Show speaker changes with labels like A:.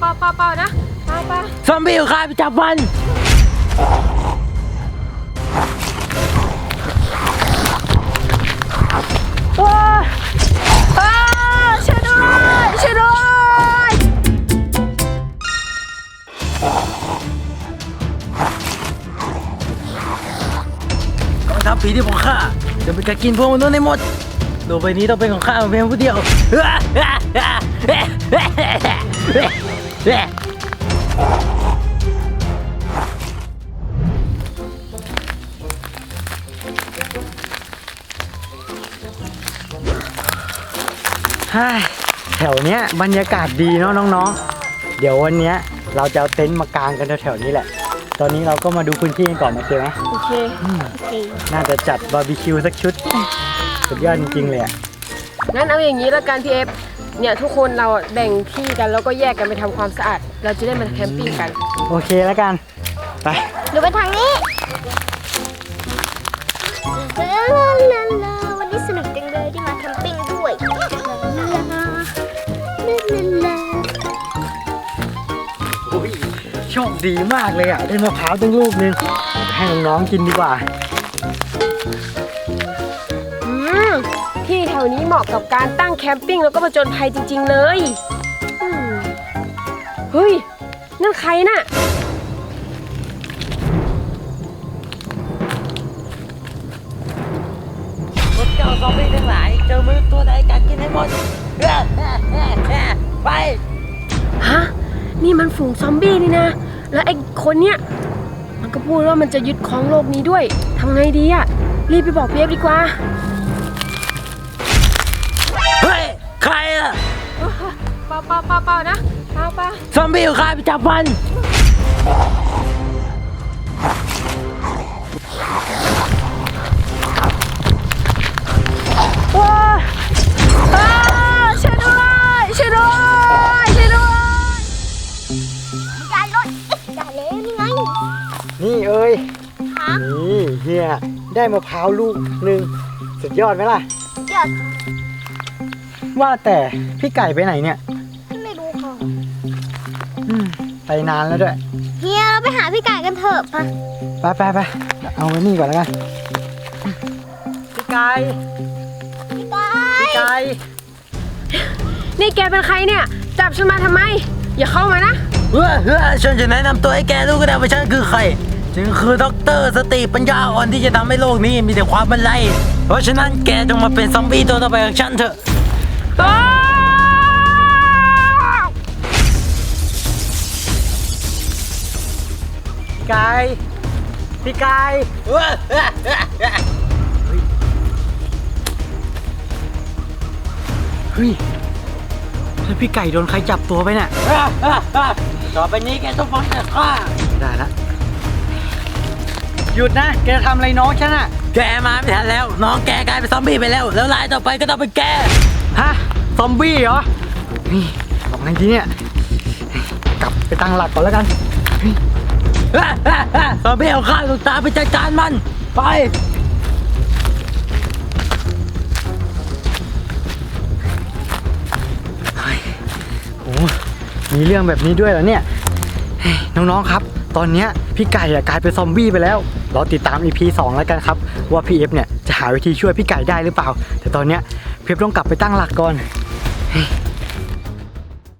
A: เปล่านะเปล่า
B: ซอมบี้อยู่ข้าไปจับมัน
A: ช่วยด้วย
B: กองทัพผีที่ผมฆ่าจะเป็นการกินพวกมนุษย์ในหมดโลกใบนี้ต้องเป็นของข้าเพียงผู้เดียวแถวเนี้ยบรรยากาศดีเนาะน้องๆเดี๋ยววันเนี้ยเราจะเอาเต็นท์มากางกันแถวๆนี้แหละตอนนี้เราก็มาดูพื้นที่กันก่อนโอเคไหม
A: โอเค
B: น่าจะจัดบาร์บีคิวสักชุดสุดยอดจริงๆเลย
A: งั้นเอาอย่างนี้ละกันพี่เอฟเนี่ยทุกคนเราแบ่งที่กันแล้วก็แยกกันไปทำความสะอาดเราจะได้มาแคมปิ้งกัน
B: โอเคแล้วกันไป
C: หนูไปทางนี้วันนี้สนุกจังเลยที่มาแคมปิ้งด้วย
B: โชคดีมากเลยอ่ะได้มะพร้าวตั้งลูกนึงให้น้องๆกินดีกว่า
A: ที่แถวนี้เหมาะกับการตั้งแคมปิ้งแล้วก็ผจญภัยจริงๆเลยเฮ้ยนั่นใครน่ะ
B: พวกเจ้าซอมบี้ทั้งหลายเจอมนุษย์ตัวใดกัดกินให้หมดไป
A: ฮะนี่มันฝูงซอมบี้นี่นะแล้วไอ้คนเนี้ยมันก็พูดว่ามันจะยึดครองโลกนี้ด้วยทำไงดีอะรีบไปบอกพี่เอฟดีกว่า
B: เฮ้ยใครอะ
A: เปล่านะเปล่า
B: ซอมบี้อยู่ข้าไปจับมัน
A: ช่วยด้วย
C: อย่าเลยนี่ไง
B: นี่เอ้ยนี่เฮียได้มะพร้าวลูกนึงสุดยอดไหมล่ะ
C: ยอด
B: ว่าแต่พี่ไก่ไปไหนเนี่ย
C: ไม่รู้ค่ะ
B: ไปนานแล้วด้วย
C: เฮียเราไปหาพี่ไก่กันเถอะ
B: ไปเอาไว้นี่ก่อนแล้วกันพี่ไก่
A: นี่แกเป็นใครเนี่ยจับฉันมาทำไมอย่าเข้ามานะ
B: ฉันจะแนะนำตัวให้แกรู้ก็ได้ว่าฉันคือใครฉันคือด็อกเตอร์สติปัญญาอ่อนที่จะทำให้โลกนี้มีแต่ความบรรลัยเพราะฉะนั้นแกจงมาเป็นซอมบี้ตัวต่อไปของฉันเถอะพี่ไก่เฮ้ยแล้วพี่ไก่โดนใครจับตัวไปเนี่ยต่อไปนี้แกต้องฟังแต่ข้าได้ละหยุดนะแกทำอะไรน้องฉันอะแกมาไม่ทันแล้วน้องแกกลายเป็นซอมบี้ไปแล้วรายต่อไปก็ต้องเป็นแกฮะซอมบี้เหรอนี่บอกไงทีเนี่ยกลับไปตั้งหลักก่อนแล้วกันซอมบี้เอาข้าวลูกตาไปจัดการมันไปโอ้มีเรื่องแบบนี้ด้วยเหรอเนี่ยน้องๆครับตอนนี้พี่ไก่กลายเป็นซอมบี้ไปแล้วเราติดตาม EP 2แล้วกันครับว่าพี่เอฟเนี่ยจะหาวิธีช่วยพี่ไก่ได้หรือเปล่าแต่ตอนนี้พี่เอฟต้องกลับไปตั้งหลักก่อน